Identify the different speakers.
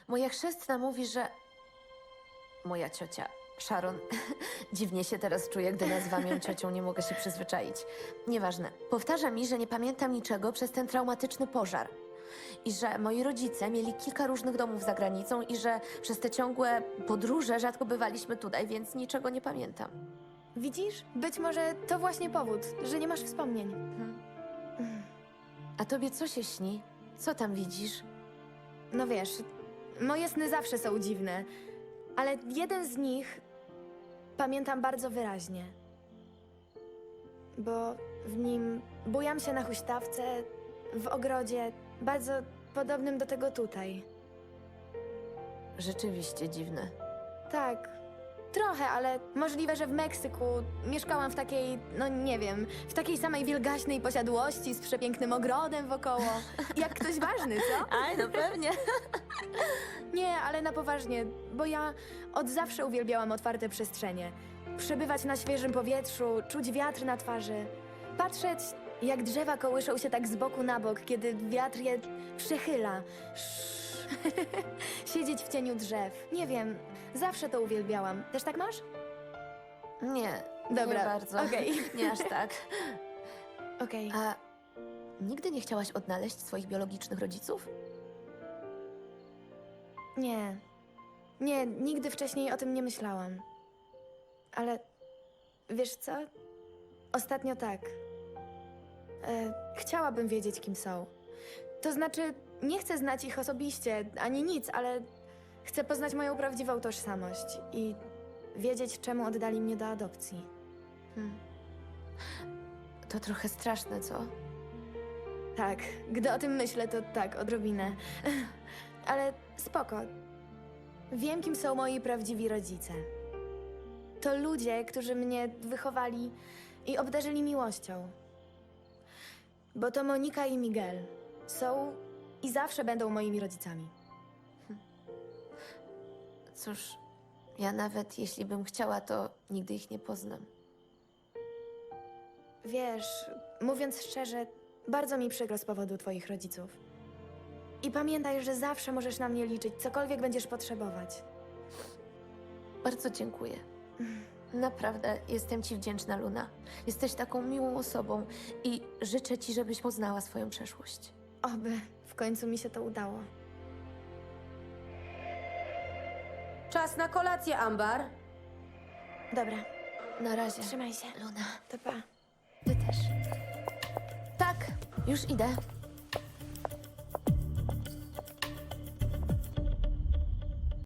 Speaker 1: Moja chrzestna mówi, że... Moja ciocia, Sharon, dziwnie się teraz czuję, gdy nazywam ją ciocią, nie mogę się przyzwyczaić. Nieważne. Powtarza mi, że nie pamiętam niczego przez ten traumatyczny pożar. I że moi rodzice mieli kilka różnych domów za granicą i że przez te ciągłe podróże rzadko bywaliśmy tutaj, więc niczego nie pamiętam.
Speaker 2: Widzisz? Być może to właśnie powód, że nie masz wspomnień.
Speaker 1: A tobie co się śni? Co tam widzisz?
Speaker 2: No wiesz, moje sny zawsze są dziwne, ale jeden z nich pamiętam bardzo wyraźnie. Bo w nim bujam się na huśtawce, w ogrodzie, bardzo podobnym do tego tutaj.
Speaker 1: Rzeczywiście dziwne.
Speaker 2: Tak, trochę, ale możliwe, że w Meksyku mieszkałam w takiej, no nie wiem, w takiej samej wielgaśnej posiadłości z przepięknym ogrodem wokoło. Jak ktoś ważny, co?
Speaker 1: Aj, no pewnie.
Speaker 2: Nie, ale na poważnie, bo ja od zawsze uwielbiałam otwarte przestrzenie. Przebywać na świeżym powietrzu, czuć wiatr na twarzy. Patrzeć, jak drzewa kołyszą się tak z boku na bok, kiedy wiatr je przechyla. Siedzieć w cieniu drzew. Nie wiem, zawsze to uwielbiałam. Też tak masz?
Speaker 1: Nie,
Speaker 2: Dobra,
Speaker 1: nie bardzo.
Speaker 2: okej.
Speaker 1: Nie aż tak.
Speaker 2: Okej.
Speaker 1: A nigdy nie chciałaś odnaleźć swoich biologicznych rodziców?
Speaker 2: Nie. Nie, nigdy wcześniej o tym nie myślałam. Ale wiesz co? Ostatnio tak. Chciałabym wiedzieć, kim są. To znaczy, nie chcę znać ich osobiście, ani nic, ale chcę poznać moją prawdziwą tożsamość i wiedzieć, czemu oddali mnie do adopcji.
Speaker 1: To trochę straszne, co?
Speaker 2: Tak, gdy o tym myślę, to tak, odrobinę. Ale spoko. Wiem, kim są moi prawdziwi rodzice. To ludzie, którzy mnie wychowali i obdarzyli miłością. Bo to Monika i Miguel są i zawsze będą moimi rodzicami.
Speaker 1: Cóż, ja nawet jeśli bym chciała, to nigdy ich nie poznam.
Speaker 2: Wiesz, mówiąc szczerze, bardzo mi przykro z powodu twoich rodziców. I pamiętaj, że zawsze możesz na mnie liczyć, cokolwiek będziesz potrzebować.
Speaker 1: Bardzo dziękuję. Naprawdę jestem ci wdzięczna, Luna. Jesteś taką miłą osobą i życzę ci, żebyś poznała swoją przeszłość.
Speaker 2: Oby w końcu mi się to udało.
Speaker 3: Czas na kolację, Ambar.
Speaker 2: Dobra,
Speaker 1: Na razie.
Speaker 2: trzymaj się.
Speaker 1: Luna,
Speaker 2: To pa.
Speaker 1: ty też. Tak, już idę.